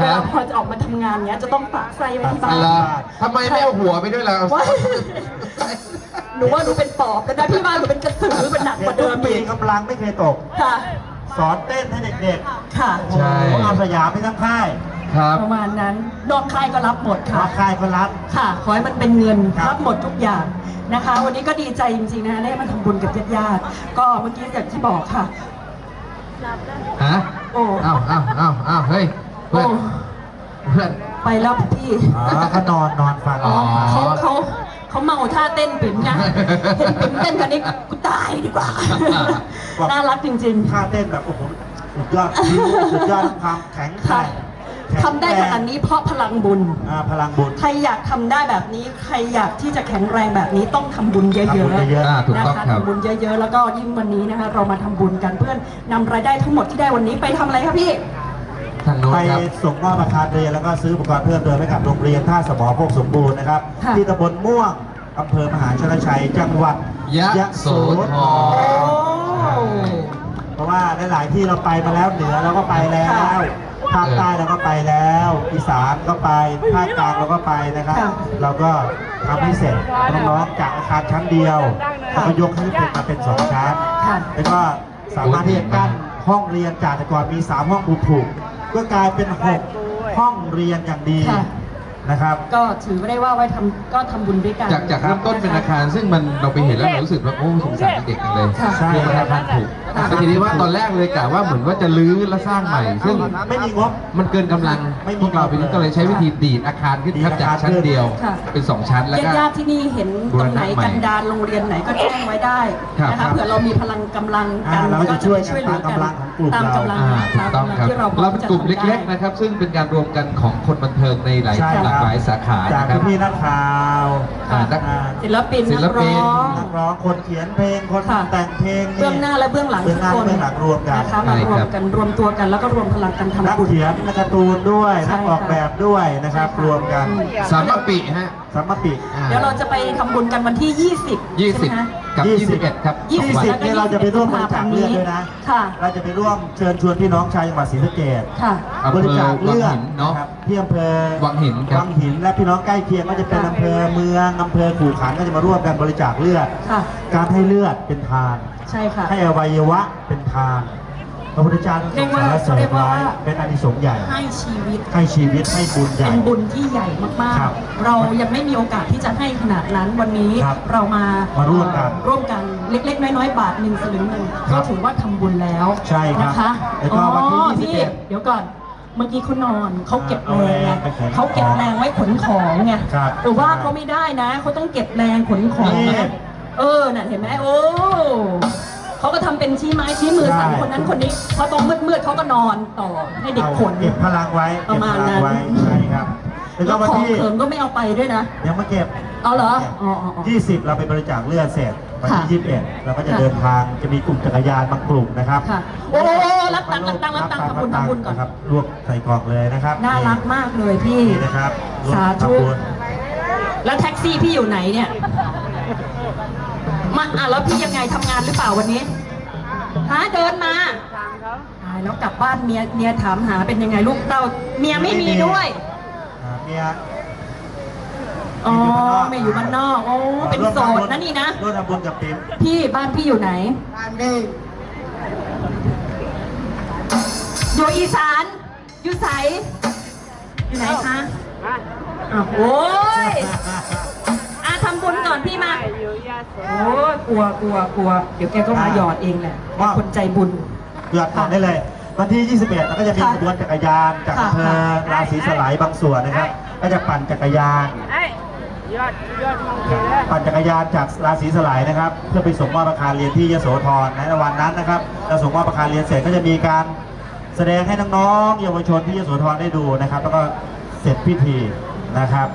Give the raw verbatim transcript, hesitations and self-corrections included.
วลาพอจะออกมาทำงานเนี้ยจะต้องฝากไส้ไว้ที่บ้านทำไมไม่เอาหัวไปด้วยล่ะหนูว่าหนูเป็นปอบแต่พี่บ้านหนูเป็นกระสือเป็นหนักกว่าเดิมปีอีกกำลังไม่เคยตกค่ะสอนเต้นให้เด็กๆค่ะใช่เอาสยามไปทั้งค่ายครับประมาณนั้นนอกค่ายก็รับหมดค่ะนอกค่ายก็รับค่ะขอให้มันเป็นเงินรับหมดทุกอย่างนะคะวันนี้ก็ดีใจจริงๆนะคะได้มาทำบุญกับญาติๆก็เมื่อกี้อย่างที่บอกค่ะฮะโอ้อ้าวอ้าวอ้าวอ้าวเฮ้ยเพื่อนเพื่อนไปแล้วพี่อ๋อเขานอนนอนฟังอ๋อเขาเขาเขาเมาท่าเต้นปิ่มนะเห็นปิ่มเต้นกันนี้กูตายดีกว่าน่ารักจริงๆท่าเต้นแบบโอ้โหสุดยอดสุดยอดความแข็งแกร่งทำได้ขนาดนี้เพราะพลังบุญพลังบุญใครอยากทำได้แบบนี้ใครอยากที่จะแข็งแรงแบบนี้ต้องทำบุญเยอะๆนะคะทำบุญเยอะๆแล้วก็ยิ่งวันนี้นะคะเรามาทำบุญกันเพื่อนนำรายได้ทั้งหมดที่ได้วันนี้ไปทำอะไรครับพี่ไปส่งมอบอาคารเรียนแล้วก็ซื้ออุปกรณ์เพิ่มเติมให้กับโรงเรียนท่าสมอโคกสมบูรณ์นะครับที่ตำบลม่วงอำเภอมหาชนชัยจังหวัดยะโสธรเพราะว่าหลายๆที่เราไปมาแล้วเหนือเราก็ไปแล้วภาคใต้เราก็ไปแล้วอีสานก็ไปภาคกลางเราก็ไปนะครับเราก็ทำให้เสร็จน้องๆจากอาคารชั้นเดียวเราก็ยกให้เป็นมาเป็นสองชั้นแล้วก็สามารถที่จะกั้นห้องเรียนจากแต่ก่อนมีสามห้องผูกๆก็กลายเป็นหกห้องเรียนอย่างดีนะครับก็ถือได้ว่าไว้ทำก็ทำบุญด้วยกันจากจากเริ่มต้นเป็นอาคารซึ่งมันเราไปเห็นแล้วเรารู้สึกว่าโอ้สงสารเด็กจังเลยคืออาคารถูกแต่ทีนี้ว่าตอนแรกเลยกะว่าเหมือนว่าจะรื้อและสร้างใหม่ซึ่งไม่มีงบมันเกินกำลังพวกเราไปนี้ก็เลยใช้วิธีดีดอาคารขึ้นครับจากชั้นเดียวเป็นสองชั้นแล้วก็ญาติที่นี่เห็นตรงไหนกันดารโรงเรียนไหนก็แจ้งไว้ได้นะคะเผื่อเรามีพลังกำลังกันก็จะช่วยช่วยเหลือกันตามกำลังถูกต้องครับเราเป็นกลุ่มเล็กๆนะครับซึ่งเป็นการรวมกันของคนบันเทิงในหลายหลากหลายสาขาจากพี่นักข่าวศิลปินศิลปินนักร้องคนเขียนเพลงคนแต่งเพลงเบื้องหน้าและเบื้องหลังทุกคนรวมกันนะคะมารวมกันรวมตัวกันแล้วก็รวมพลังกันทำบุญนักเขียนนักการ์ตูนด้วยนักออกแบบด้วยนะครับรวมกันสามปีฮะสามปีเดี๋ยวเราจะไปทำบุญกันวันที่ยี่สิบยี่สิบกับยี่สิบเอ็ดครับยี่สิบนี่เราจะไปร่วมบริจาคเลือดด้วยนะเราจะไปร่วมเชิญชวนพี่น้องชาวจังหวัดศรีสะเกษบริจาคเลือดนะครับที่อำเภอวังหินวังหินและพี่น้องใกล้เคียงก็จะเป็นอำเภอเมืองอำเภอขู่ขันก็จะมาร่วมกันบริจาคเลือดการให้เลือดเป็นทานใช่ค่ะให้อวัยวะเป็นทานพระพุทธเจ้าทรงสารเสริญไว้เป็นอานิสงส์ใหญ่ให้ชีวิตให้ชีวิตให้บุญใหญ่เป็นบุญที่ใหญ่มากๆเรายังไม่มีโอกาสที่จะให้ขนาดนั้นวันนี้เรามามาร่วมกันร่วมกันเล็กๆน้อยๆบาทหนึ่งสลึงหนึ่งก็ถือว่าทำบุญแล้วใช่นะคะแล้วก็วันที่ยี่สิบเอ็ดเดี๋ยวก่อนเมื่อกี้เขานอนเขาเก็บแรงไงเขาเก็บแรงไว้ขนของไงแต่ว่าเขาไม่ได้นะเขาต้องเก็บแรงขนของเออน่ะเห็นไหมโอ้เขาก็ทำเป็นชี้ไม้ชี้มือสั่งคนนั้นคนนี้พอตรงมืดๆเขาก็นอนต่อให้เด็กขนเก็บพลังไว้ประมาณนั้นใช่ครับแล้วของเขินก็ไม่เอาไปด้วยนะยังมาเก็บเอาเหรอยี่สิบเราไปบริจาคเลือดเสร็จวันที่ยี่สิบเอ็ดเราก็จะเดินทางจะมีกลุ่มจักรยานบางกลุ่มนะครับโอ้รับตังค์รับตังค์รับตังค์ทำบุญทำบุญก่อนครับรวบใส่กล่องเลยนะครับน่ารักมากเลยพี่นะครับสาธุแล้วแท็กซี่พี่อยู่ไหนเนี่ยมาอ่ะแล้วพี่ยังไงทำงานหรือเปล่าวันนี้ฮะเดินมาตายแล้วกลับบ้านเมียเมียถามหาเป็นยังไงลูกเต้าเมียไม่มีด้วยเมียอ๋อไม่อยู่บ้านนอกโอ้เป็นโสดนะนี่นะร่วมทำบุญกับปิ๊มพี่บ้านพี่อยู่ไหนบ้านนี่อยู่อีสานอยู่ใสอยู่ไหนคะอ๋อโอ้ยอาทำบุญก่อนพี่มาโอ้กลัวกลัวกลัวเดี๋ยวแกก็มาหยอดเองแหละคนใจบุญหยอดก่อนได้เลยวันที่ยี่สิบเอ็ดเราก็จะมีขบวนจักรยานจากอำเภอราศีสลายบางส่วนนะครับก็จะปั่นจักรยานปั่นจักรยานจากราศีสลายนะครับเพื่อไปส่งมอบอาคารเรียนที่ยโสธรในวันนั้นนะครับเราส่งมอบอาคารเรียนเสร็จก็จะมีการแสดงให้น้องๆเยาวชนที่ยโสธรได้ดูนะครับแล้วก็เสร็จพิธีนะครับ